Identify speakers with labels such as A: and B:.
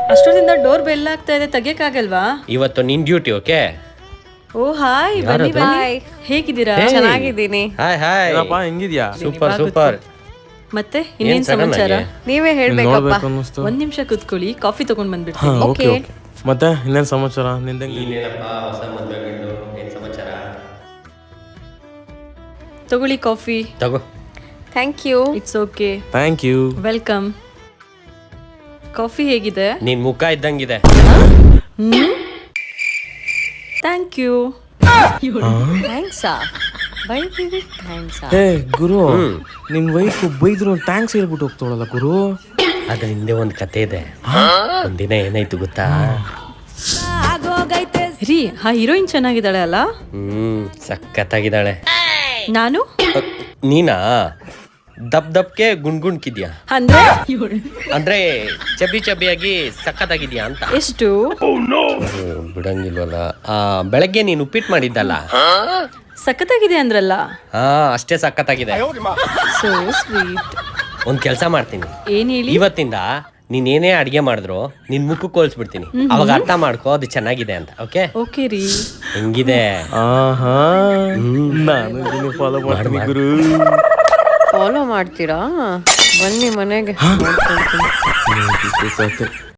A: ಅಷ್ಟೊಂದಿಂದ door bell ಆಗ್ತಾ ಇದೆ, ತೆಗಿಯಕ್ಕಾಗಲ್ವಾ?
B: ಇವತ್ತು ನಿನ್ ಡ್ಯೂಟಿ. ಓಕೆ.
A: ಓ ಹಾಯ್, ಬನ್ನಿ ಬನ್ನಿ. ಹೇಗಿದ್ದೀರಾ?
C: ಚೆನ್ನಾಗಿದ್ದೀನಿ.
B: Hi hi.
D: ಹೆಂಗಿದ್ಯಾ?
B: Super super.
A: ಮತ್ತೆ ಇನ್ನೇನ್ ಸಮಾಚಾರ?
C: ನೀವೇ ಹೇಳ್ಬೇಕಪ್ಪ.
A: ಒಂದ್ ನಿಮಿಷ ಕುತ್ಕೊಳ್ಳಿ, ಕಾಫಿ ತಗೊಂಡ್ ಬಂದ್ಬಿಡ್ತೀನಿ.
D: Okay okay. ಮತ್ತೆ ಇನ್ನೇನ್ ಸಮಾಚಾರ ನಿಂದಂಗೆ?
B: ಹೊಸ ಮದ್ವೆ ಗಂಡು, ಏನ್ ಸಮಾಚಾರ?
A: ತಗೊಳ್ಳಿ ಕಾಫಿ.
B: ತಗೋ.
C: Thank you.
A: It's okay.
D: Thank you.
A: Welcome. Coffee ಹೇಗಿದೆ?
B: ನಿನ್ ಮುಖ ಇದ್ದಂಗಿದೆ.
A: Thank you.
C: ಥ್ಯಾಂಕ್ಸಾ? ಬೈತೀವಿ ಥ್ಯಾಂಕ್ಸಾ?
D: ಹೇ ಗುರು, ನಿನ್ ವೈಫ್ ಬೈದ್ರು ಥ್ಯಾಂಕ್ಸ್ ಹೇಳ್ಬಿಟ್ಟು ಹೋಗ್ತಾಳಲ್ಲ ಗುರು.
B: ಅದ್ರ ಹಿಂದೆ ಒಂದ್ ಕತೆ ಇದೆ. ಒಂದಿನ ಏನಾಯ್ತು ಗೊತ್ತಾ?
A: ರೀ, ಆ ಹೀರೋಯಿನ್ ಚೆನ್ನಾಗಿದ್ದಾಳೆ ಅಲ್ಲ?
B: ಸಖತ್ತಾಗಿದ್ದಾಳೆ.
A: ನಾನು
B: ನೀನಾ? ದಬ್ಕೆ ಗುಣ್ಗುಣ್ಕಿದ್ಯಾ?
A: ಅಂದ್ರೆ
B: ಅಂದ್ರೆ ಚಬಿ ಚಬಿಯಾಗಿ ಸಖತ್ತಾಗಿದ್ಯಾ ಅಂತ.
A: ಎಷ್ಟು?
B: ಬಿಡಂಗಿಲ್ವಲ್ಲ. ಬೆಳಗ್ಗೆ ನೀನು ಉಪ್ಪಿಟ್ಟು ಮಾಡಿದ್ದಲ್ಲ,
A: ಸಖತ್ತಾಗಿದೆ ಅಂದ್ರಲ್ಲ.
B: ಅಷ್ಟೇ ಸಖತ್ತಾಗಿದೆ.
A: So sweet.
B: ಒಂದ್ ಕೆಲ್ಸ ಮಾಡ್ತೀನಿ.
A: ಏನ್ ಹೇಳಿ?
B: ಇವತ್ತಿಂದ ನೀನೇನೇ ಅಡಿಗೆ ಮಾಡಿದ್ರು ನಿನ್ ಮುಖಕ್ಕೆ ಹೋಲಿಸ್ಬಿಡ್ತೀನಿ. ಅವಾಗ ಅರ್ಥ ಮಾಡ್ಕೋ ಅದು ಚೆನ್ನಾಗಿದೆ ಅಂತ. ಓಕೆ
A: ಓಕೆ ರೀ.
B: ಹೆಂಗಿದೆ?
D: ಆಹಾ, ನಾನು ಫಾಲೋ ಮಾಡ್ತೀನಿ ಗುರು.
C: ಫಾಲೋ ಮಾಡ್ತೀರಾ? ಬನ್ನಿ ಮನೆಗೆ.